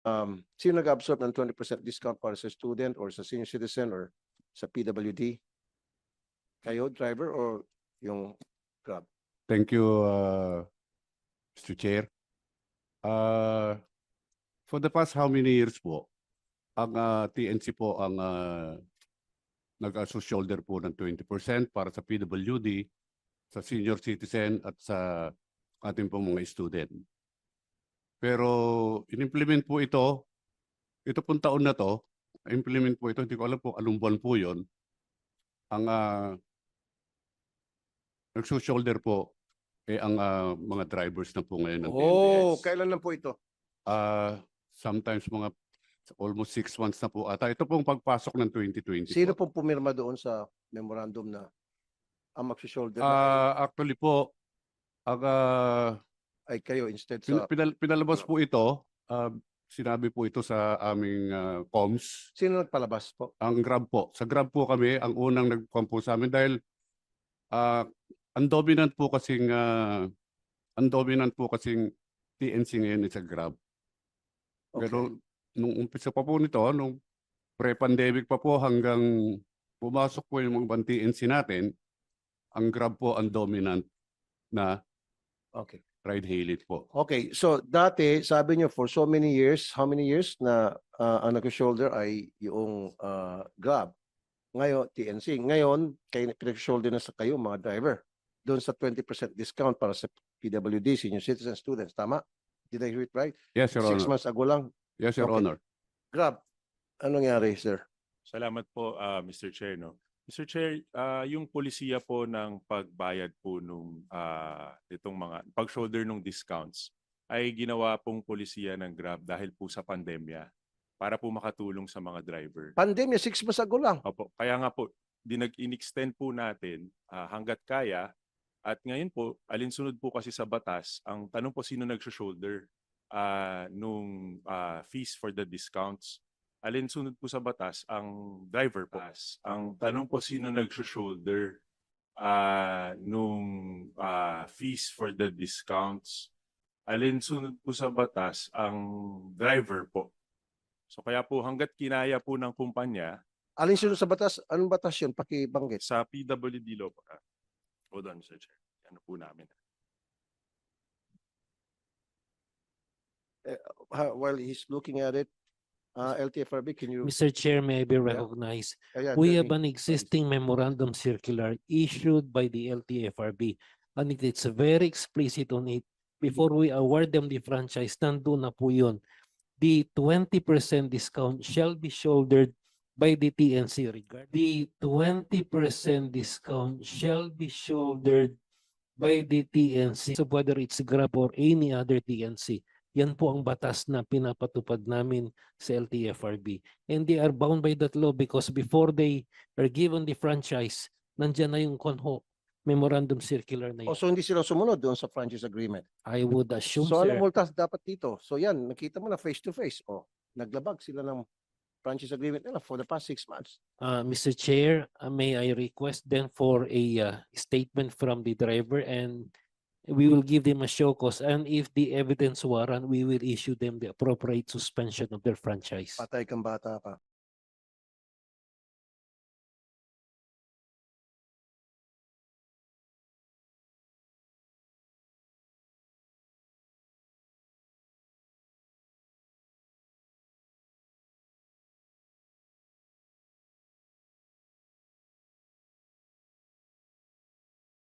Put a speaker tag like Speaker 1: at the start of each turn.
Speaker 1: Sino nag-absorb ng 20% discount para sa student or sa senior citizen or sa PWD? Kayo, driver, or yung Grab?
Speaker 2: Thank you, Mr. Chair. For the past how many years po, ang TNC po ang nag-shoulder po ng 20% para sa PWD, sa senior citizen at sa ating pong mga student. Pero in-implement po ito pong taon na to, implement po ito, hindi ko alam po anong buwan po yun. Ang nag-shoulder po ang mga drivers na po ngayon ng
Speaker 1: Oh,
Speaker 2: TNBS.
Speaker 1: kailan lang po ito?
Speaker 2: Sometimes mga almost 6 months na po ata. Ito pong pagpasok ng 2020
Speaker 1: Sino
Speaker 2: po.
Speaker 1: pong pumirma doon sa memorandum na ang mag-shoulder na
Speaker 2: Actually po, ang
Speaker 1: ay kayo instead sa...
Speaker 2: pinalabas po ito, sinabi po ito sa aming comms.
Speaker 1: Sino nagpalabas po?
Speaker 2: Ang Grab po. Sa Grab po kami, ang unang nag-com po sa amin dahil ang dominant po kasing TNC ngayon sa Grab.
Speaker 1: Okay.
Speaker 2: Pero nung umpisa pa po nito, nung pre-pandemic pa po hanggang pumasok po yung mga ibang TNC natin, ang Grab po ang dominant na
Speaker 1: Okay.
Speaker 2: ride-hailing po.
Speaker 1: Okay, so dati sabi niyo for so many years, how many years na ang nag-shoulder ay yung Grab. Ngayon, TNC. Ngayon, kayo pinag-shoulder na sa kayo mga driver. Doon sa 20% discount para sa PWD, senior citizen students. Tama? Did I hear it right?
Speaker 2: Yes, Your
Speaker 1: 6
Speaker 2: Honor.
Speaker 1: months ago lang.
Speaker 2: Yes, Your
Speaker 1: Okay.
Speaker 2: Honor.
Speaker 1: Grab, anong nangyari, sir?
Speaker 3: Salamat po, Mr. Chair. No? Mr. Chair, yung polisiya po ng pagbayad po nung itong mga pag-shoulder nung discounts ay ginawa pong polisiya ng Grab dahil po sa pandemya para po makatulong sa mga driver.
Speaker 1: Pandemya, 6 months ago lang.
Speaker 3: Opo, kaya nga po, in-extend po natin hanggat kaya. At ngayon po, alinsunod po kasi sa batas, ang tanong po sino nag-shoulder nung fees for the discounts. Alinsunod po sa batas, ang driver po. Ang tanong po sino nag-shoulder nung fees for the discounts. Alinsunod po sa batas, ang driver po. So kaya po hanggat kinaya po ng kumpanya,
Speaker 1: Alin sunod sa batas? Anong batas yun? Pakibanggit.
Speaker 3: sa PWD law po. Hold on, Mr. Chair. Ano po namin.
Speaker 1: While he's looking at it, LTFRB, can you...
Speaker 4: Mr. Chair, may I be recognized?
Speaker 1: Ayan,
Speaker 4: We
Speaker 1: tell
Speaker 4: have
Speaker 1: me.
Speaker 4: an existing memorandum circular issued by the LTFRB, and it's very explicit on it. Before we award them the franchise, nandun na po yun. The 20% discount shall be shouldered by the TNC regard. The 20% discount shall be shouldered by the TNC. So whether it's Grab or any other TNC, yan po ang batas na pinapatupad namin sa LTFRB. And they are bound by that law because before they are given the franchise, nandyan na yung CONHO memorandum circular na yun.
Speaker 1: So hindi sila sumunod doon sa franchise agreement.
Speaker 4: I would assume,
Speaker 1: So
Speaker 4: sir.
Speaker 1: anong multas dapat dito? So yan, nakita mo na face to face. Oh, naglabag sila ng franchise agreement nila for the past 6 months.
Speaker 4: Mr. Chair, may I request then for a statement from the driver, and we will give them a show cause, and if the evidence warrant, we will issue them the appropriate suspension of their franchise.
Speaker 1: Patay kang bata ka.